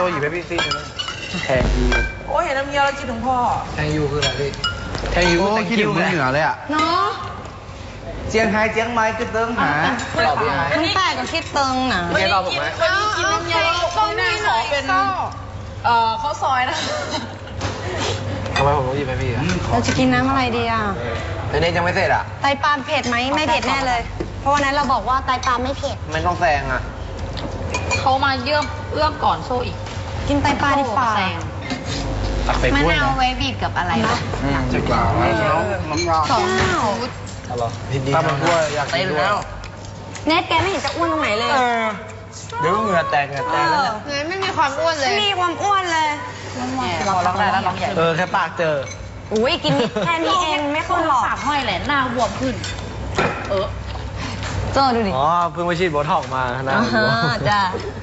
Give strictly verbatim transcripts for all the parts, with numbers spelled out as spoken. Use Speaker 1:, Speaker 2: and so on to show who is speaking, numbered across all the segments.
Speaker 1: ซ่หยิบไปพี่ซี่แทงยูโอ้ยเห็นน้ำเงี้ยวแล้วคิดถึงพ่อแทงยูคืออะไรพี่แทงยูก็คิดถึงเมืองเหนือเลยอ่ะ
Speaker 2: เนาะ
Speaker 1: เจียงไฮ้เจียงไม้ก็เติ้งหาตอบยังไง
Speaker 2: มันแปลกกับคิดเติงนะ
Speaker 1: ไม่ตอบผมไหมเคยกินน้ำเงี้ยวก็ไม่ขอเป็นเอ่อข้าวซอยนะทำไมผมต้องหยิบไปพี่อ่ะ
Speaker 2: เราจะกินน้ำอะไรดีอ่ะ
Speaker 1: แต่เน็ตยังไม่เสร็จอ่ะ
Speaker 2: ไตปลาเผ็ดไหมไม่เผ็ดแน่เลย เพราะวันนั้นเราบอกว่าไตปลาไม่เผ็ด
Speaker 1: ไม่ต้องแซงอ่ะ
Speaker 3: เขามาเยื่อมเอื้อมก่อนโซ่อีก
Speaker 2: กินไตปลาดีกว่า
Speaker 1: ตักไป
Speaker 3: มะ
Speaker 1: กล้วย
Speaker 3: นาว
Speaker 1: นะ
Speaker 3: ไว้บีบกับอะไรวะ
Speaker 1: อืมจะกล่าวแล้วน้ำยา
Speaker 2: สองชุด
Speaker 1: ถ้ามันกล้วยอยากกินด้วย
Speaker 2: เน็ตแกไม่เห็นจะอ้วนตรงไหนเลย
Speaker 1: เดี๋ยวเหงื่อแตกเหงื่อแตกแล้วเนี่ย
Speaker 3: เนยไม่มีความอ้วนเลย
Speaker 2: ไม่มีความอ้วนเลย
Speaker 3: พอร้องได้แล้วร้องใหญ่
Speaker 1: เออแค่ปากเจอ
Speaker 2: อุ้ยกินนิดแค่นี้เองไม่ค่อยหรอก
Speaker 3: ปากห้อยแหละหน้าบวมขึ้น เออ
Speaker 2: เจอดูดิ
Speaker 1: อ๋อเพิ่งไปฉีดโบท็อกมานะ
Speaker 2: อ่าฮะจ้ะ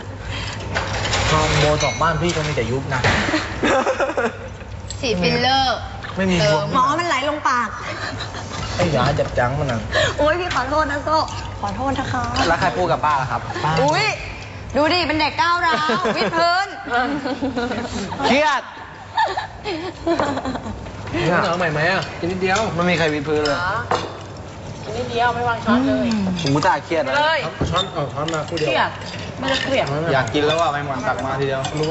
Speaker 1: โบท็อกบ้านพี่ก็มีแต่ยุบนะ
Speaker 3: ฉีดฟิลเลอร์
Speaker 1: ไม่มีบวม
Speaker 2: หมอมันไหลลงปาก
Speaker 1: ไอ้ยาจับจังมันนะ
Speaker 2: โอ้ยพี่ขอโทษนะโซ่ขอโทษนะคะ
Speaker 1: แล้วใครพูดกับป้าล่ะครับป้า
Speaker 2: อุ้ยดูดิเป็นเด็กก้าวร้าววิดพื้น
Speaker 1: เครียดเหนียวใหม่ไหมอ่ะกินนิดเดียวมันมีใครวิดพื้นเลย
Speaker 3: กินนิดเดียวไม่วางช้อนเลย
Speaker 1: ผมกูตาเครียดนะ
Speaker 3: เลย
Speaker 1: ช้อนเอาช้อนมาคู่เดียว
Speaker 3: เครียดไม่ได้เครียด
Speaker 1: อยากกินแล้วอ่ะไม่หวานตักมาทีเดียว